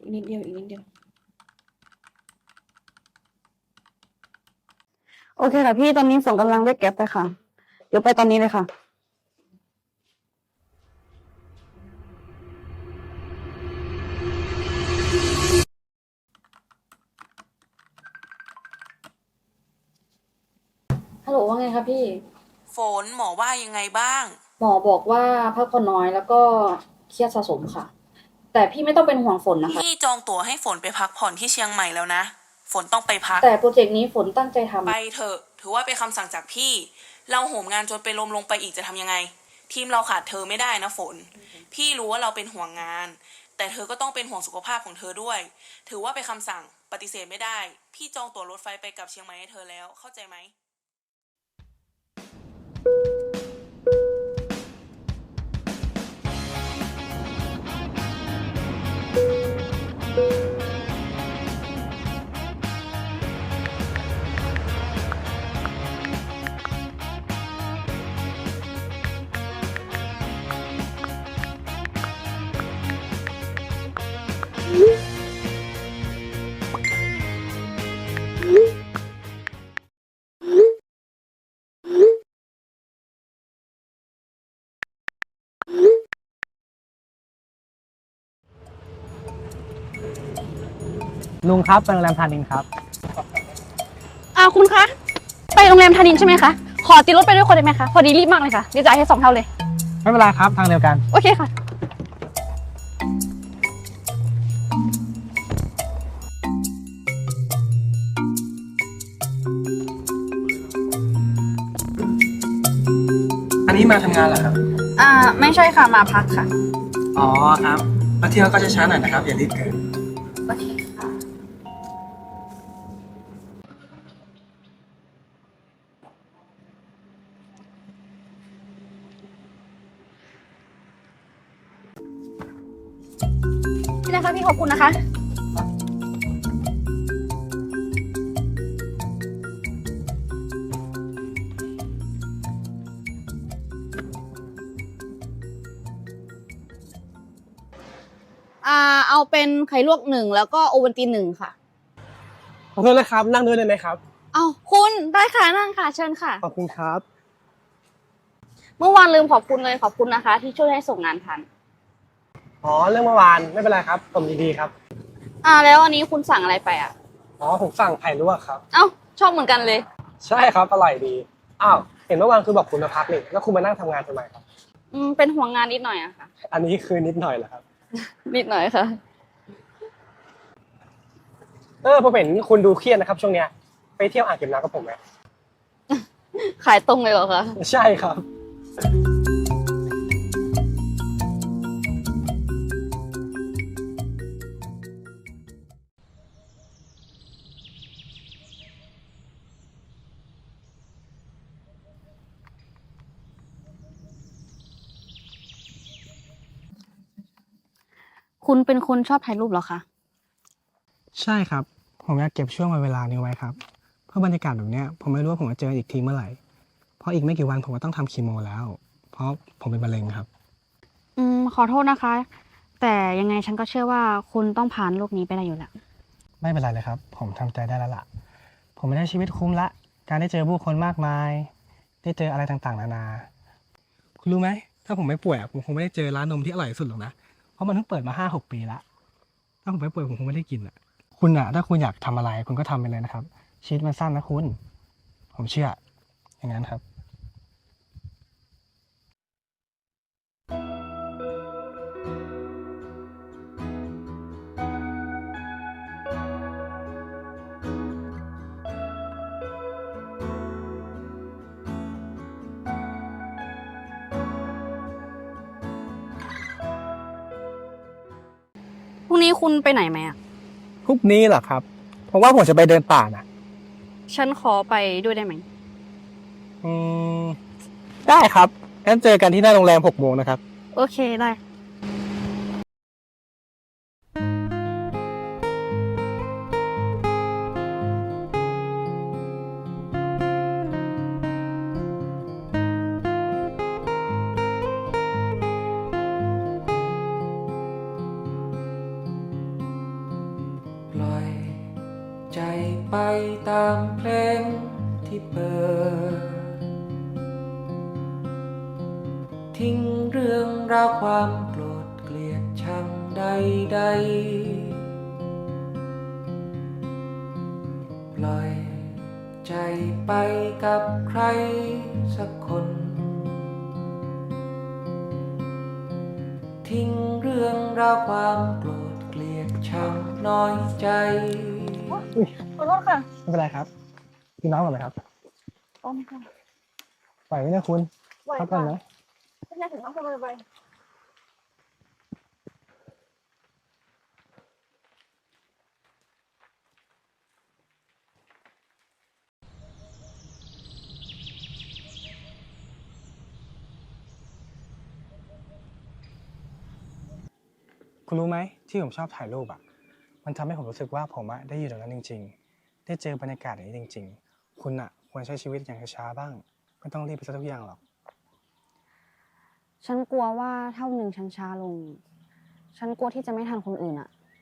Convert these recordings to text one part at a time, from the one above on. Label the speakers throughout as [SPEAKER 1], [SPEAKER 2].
[SPEAKER 1] อีกนิดเดียวอีกนิดเดียวโอเคค่ะพี่ตอนนี้ส่งกำลังเรียกแก๊ปไปค่ะเดี๋ยวไปตอนนี้เลยค่ะฮัลโหลว่าไงคะพี่
[SPEAKER 2] ฝนหมอว่ายังไงบ้าง
[SPEAKER 1] หมอบอกว่าพักผ่อนน้อยแล้วก็เครียดสะสมค่ะแต่พี่ไม่ต้องเป็นห่วงฝนนะคะ
[SPEAKER 2] พี่จองตั๋วให้ฝนไปพักผ่อนที่เชียงใหม่แล้วนะฝนต้องไปพัก
[SPEAKER 1] แต่โปรเจกต์นี้ฝนตั้งใจท
[SPEAKER 2] ไปเถอะถือว่าเป็นคำสั่งจากพี่เราโหมงานจนเป็นลมลงไปอีกจะทำยังไงทีมเราขาดเธอไม่ได้นะฝนพี่รู้ว่าเราเป็นห่วงงานแต่เธอก็ต้องเป็นห่วงสุขภาพของเธอด้วยถือว่าเป็นคำสั่งปฏิเสธไม่ได้พี่จองตั๋วรถไฟไปกับเชียงใหม่ให้เธอแล้วเข้าใจไหม
[SPEAKER 3] ลุงครับไปโรงแรมธานินครับ
[SPEAKER 4] คุณคะไปโรงแรมธานินใช่ไหมคะขอติดรถไปด้วยคนได้ไหมคะพอดีรีบมากเลยค่ะเดี๋ยวจ่ายให้2 เท่าเลย
[SPEAKER 3] ไม่เป็นไรครับทางเดียวกัน
[SPEAKER 4] โอเคค่ะ
[SPEAKER 3] อันนี้มาทำงานเหรอครับ
[SPEAKER 4] ไม่ใช่ค่ะมาพักค่ะ
[SPEAKER 3] อ๋อครับมาเที่ยวก็จะช้าหน่อยนะครับอย่ารีบเกิน
[SPEAKER 4] โอเคค่ะนี่นะคะพี่ขอบคุณนะคะเอาเป็นไข่ลวก1แล้วก็โอวัลติน1ค่ะ
[SPEAKER 3] ขอโทษนะครับนั่งด้วยได้ไหมครับ
[SPEAKER 4] เอาคุณได้ค่ะนั่งค่ะเชิญค่ะ
[SPEAKER 3] ขอบคุณครับ
[SPEAKER 4] เมื่อวานลืมขอบคุณเลยขอบคุณนะคะที่ช่วยให้ส่งงานทัน
[SPEAKER 3] อ๋อเรื่องเมื่อวานไม่เป็นไรครับผมยินดีครับ
[SPEAKER 4] แล้วอันนี้คุณสั่งอะไรไป
[SPEAKER 3] อ๋อผมสั่งไข่ลวกครับ
[SPEAKER 4] เอ้าชอบเหมือนกันเลย
[SPEAKER 3] ใช่ครับอร่อยดีอ้าวเห็นเมื่อวานคือบอกคุณมาพักนี่แล้วคุณมานั่งทำงานทำไมครับ
[SPEAKER 4] เป็นห่วงงานนิดหน่อยอะค่ะ
[SPEAKER 3] อันนี้คือนิดหน่อยเหรอครับ
[SPEAKER 4] นิดหน่อยค่ะ
[SPEAKER 3] ผมเห็นคุณดูเครียดนะครับช่วงเนี้ยไปเที่ยวอ่างเก็บน้ำกับผมไหม
[SPEAKER 4] ขายตรงเลยเหรอคะ
[SPEAKER 3] ใช่ครับ
[SPEAKER 4] คุณเป็นคนชอบถ่ายรูปเหรอคะ
[SPEAKER 3] ใช่ครับผมอยากเก็บช่วงเวลานี้ไว้ครับเพราะบรรยากาศแบบเนี้ยผมไม่รู้ว่าผมจะเจออีกทีเมื่อไหร่เพราะอีกไม่กี่วันผมก็ต้องทำคีโมแล้วเพราะผมเป็นมะเร็งครับ
[SPEAKER 4] ขอโทษนะคะ แต่ยังไงฉันก็เชื่อว่าคุณต้องผ่านโลกนี้ไปได้อยู่แล้ว
[SPEAKER 3] ไม่เป็นไรเลยครับผมทำใจได้แล้วล่ะผมไม่ได้ชีวิตคุ้มละการได้เจอผู้คนมากมายได้เจออะไรต่างๆนานาคุณรู้ไหมถ้าผมไม่ป่วยผมคงไม่ได้เจอร้านนมที่อร่อยที่สุดหรอกนะเพราะมันเพิ่งเปิดมา5-6 ปีละถ้าผมไม่ป่วยผมคงไม่ได้กินคุณถ้าคุณอยากทำอะไรคุณก็ทำไปเลยนะครับชีวิตมันสั้นนะคุณผมเชื่ออย่างนั้นครับ
[SPEAKER 4] พรุ่งนี้คุณไปไหนไหม
[SPEAKER 3] พรุ่งนี้เหรอครับเพราะว่าผมจะไปเดินป่านะ
[SPEAKER 4] ฉันขอไปด้วยได้ไหม
[SPEAKER 3] อืมได้ครับงั้นเจอกันที่หน้าโรงแรม6 โมงนะครับ
[SPEAKER 4] โอเคได้
[SPEAKER 5] ตามเพลงที่เปิดทิ้งเรื่องราวความโกรธเกลียดชังใดๆปล่อยใจไปกับใครสักคนทิ้งเรื่องราวความโกรธเกลียดชังน้อยใจ
[SPEAKER 4] ขอโทษค่ะ
[SPEAKER 3] ไม่เป็นไรครับพี่น้องก่อนไหมครับ
[SPEAKER 4] โอ้ค่ะ
[SPEAKER 3] ไหวไหมเนี่ยคุณ
[SPEAKER 4] ไหว
[SPEAKER 3] พักก่อน
[SPEAKER 4] ค่ะ
[SPEAKER 3] นะ
[SPEAKER 4] ไม่ใช่ถึงต้องพูดไป
[SPEAKER 3] คุณรู้ไหมที่ผมชอบถ่ายรูปอ่ะมันทำให้ผมรู้สึกว่าผมได้อยู่ตรงนั้นจริงๆได้เจอบรรยากาศอย่างนี้จริงๆคุณควรใช้ชีวิตอย่างช้าๆบ้างไม่ต้องรีบไปซะทุกอย่างหรอก
[SPEAKER 4] ฉันกลัวว่าถ้าวันหนึ่งฉันช้าลง ฉันกลัวที่จะไม่ทันคนอื่นอะ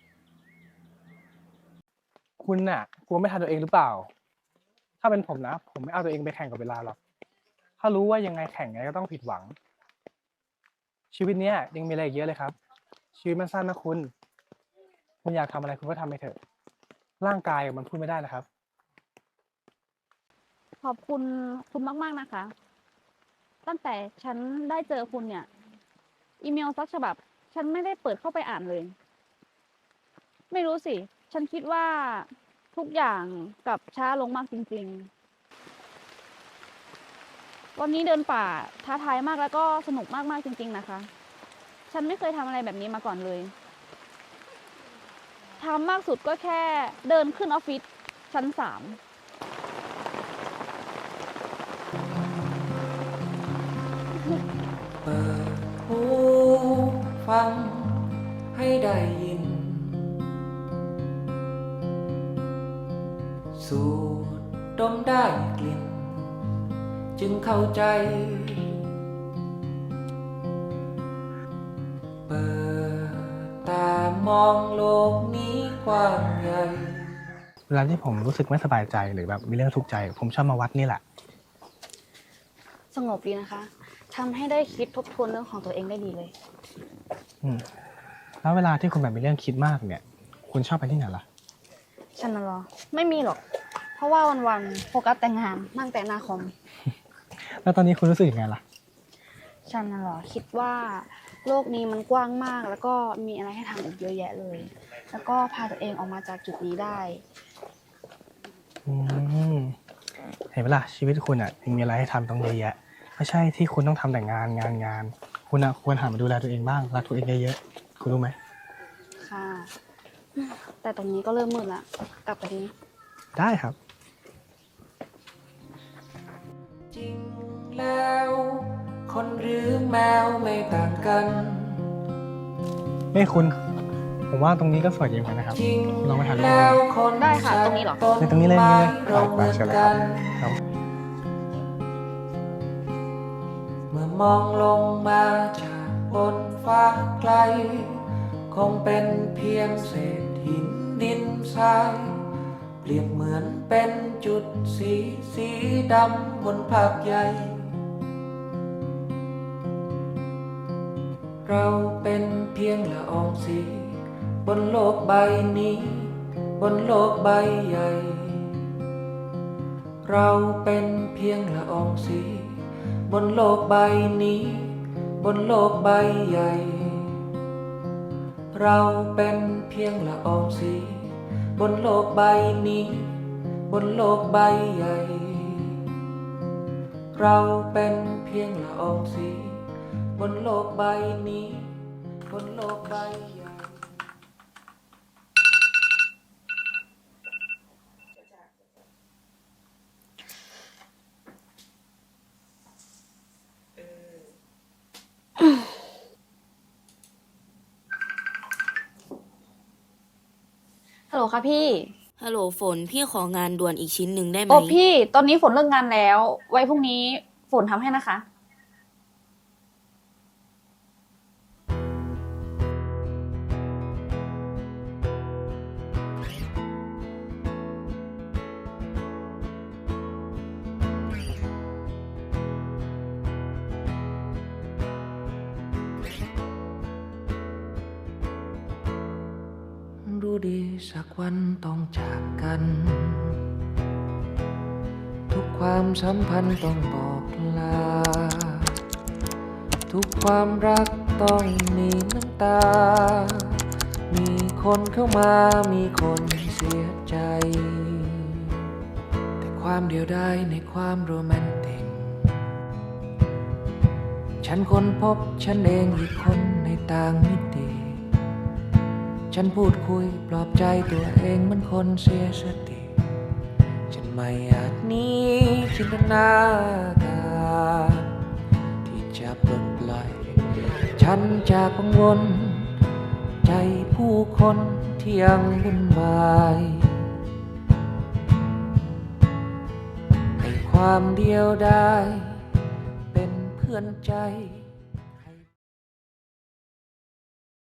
[SPEAKER 3] คุณกลัวไม่ทันตัวเองหรือเปล่า ถ้าเป็นผมนะ ผมไม่เอาตัวเองไปแข่งกับเวลาหรอกถ้ารู้ว่ายังไงแข่งไงก็ต้องผิดหวัง ชีวิตเนี้ยยังมีอะไรอีกเยอะเลยครับ ชีวิตมันสั้นนะคุณอยากทำอะไรคุณก็ทำไปเถอะร่างกายมันพูดไม่ได้นะครับ
[SPEAKER 4] ขอบคุณมากๆนะคะ ตั้งแต่ฉันได้เจอคุณเนี่ย อีเมลสักฉบับ ฉันไม่ได้เปิดเข้าไปอ่านเลย ไม่รู้สิ ฉันคิดว่าทุกอย่างกลับช้าลงมากจริงๆ วันนี้เดินป่าท้าทายมากแล้วก็สนุกมากๆจริงๆนะคะ ฉันไม่เคยทำอะไรแบบนี้มาก่อนเลยทำมากสุดก็แค่เดินขึ้นออฟฟิศชั้น 3
[SPEAKER 5] เปิดหูฟังให้ได้ยินสูดดมได้กลิ่นจึงเข้าใจเปิดตามองโลกนี้กว้างใหญ่
[SPEAKER 3] เวลาที่ผมรู้สึกไม่สบายใจหรือแบบมีเรื่องทุกข์ใจ ผมชอบมาวัดนี่แหละ
[SPEAKER 4] สงบดีนะคะทำให้ได้คิดทบทวนเรื่องของตัวเองได้ดีเลย
[SPEAKER 3] แล้วเวลาที่คุณแบบมีเรื่องคิดมากเนี่ย คุณชอบไปที่ไหนล่ะ
[SPEAKER 4] ฉันน่ะเหรอ ไม่มีหรอก เพราะว่าวันๆโฟกัสแต่งานนั่งแต่หน้าคอม
[SPEAKER 3] แล้วตอนนี้คุณรู้สึกยังไงล่ะ
[SPEAKER 4] ฉันน่ะเหรอ คิดว่าโลกนี้มันกว้างมาก แล้วก็มีอะไรให้ทำอีกเยอะแยะเลย แล้วก็พาตัวเองออกมาจากจุดนี้ได้
[SPEAKER 3] อืมเห็นไหมล่ะชีวิตคุณยังมีอะไรให้ทำต้องเยอะแยะไม่ใช่ที่คุณต้องทำแต่งานคุณควรหันมาดูแลตัวเองบ้างรักตัวเองเยอะๆคุณรู้ไหม
[SPEAKER 4] ค่ะ แต่ตรงนี้ก็เริ่มมืดละกลับไปดี
[SPEAKER 3] ได้ครับ
[SPEAKER 5] จริงแล้วคนหรือแมวไม่ต่างกัน
[SPEAKER 3] นี่คุณ ผมว่าตรงนี้ก็สวยดีเหมือนกันนะครับ
[SPEAKER 5] จริง
[SPEAKER 3] ลองไปถ่ายรูป
[SPEAKER 5] แล้วคน
[SPEAKER 4] ได้ค่ะตรงนี้เหรอ
[SPEAKER 3] ในตรงนี้เลยนี่เลย
[SPEAKER 5] เราเห
[SPEAKER 3] ไป
[SPEAKER 5] มือน
[SPEAKER 3] เชิญเลยค
[SPEAKER 5] กั
[SPEAKER 3] รับ
[SPEAKER 5] น
[SPEAKER 3] ครับ
[SPEAKER 5] เมื่อมองลงมาจากบนฟ้าไกล คงเป็นเพียงเศษหินดินทราย เปรียบเหมือนเป็นจุดสีดำบนภาพใหญ่ เราเป็นเพียงละอองสีบนโลกใบนี้ บนโลกใบใหญ่ เราเป็นเพียงละอองสีบนโลกใบนี้ บนโลกใบใหญ่ เราเป็นเพียงละอองสีบนโลกใบนี้ บนโลกใบใหญ่ เราเป็นเพียงละอองสีบนโลกใบนี้ บนโลกใบใหญ่
[SPEAKER 4] ฮัลโหลค่ะพี่
[SPEAKER 2] ฮัลโหลฝน พี่ของานด่วนอีกชิ้นหนึ่งได้ไหม
[SPEAKER 4] โอ้พี่ ตอนนี้ฝนเลิกงานแล้ว ไว้พรุ่งนี้ฝนทำให้นะคะ
[SPEAKER 5] ดีสักวันต้องจากกัน ทุกความสัมพันธ์ต้องบอกลา ทุกความรักต้องมีน้ำตา มีคนเข้ามามีคนเสียใจ แต่ความเดียวดายในความโรแมนติก ฉันค้นพบฉันเองอีกคนในต่างมิติ ฉันพูดคุยปลอบใจตัวเองเหมือนคนเสียสติ ฉันไม่อาจหนี้จินตนาการที่จะปลดปล่อย ฉันจากกังวลใจผู้คนที่ยังวุ่นวายให้ความเดียวดายเป็นเพื่อนใจ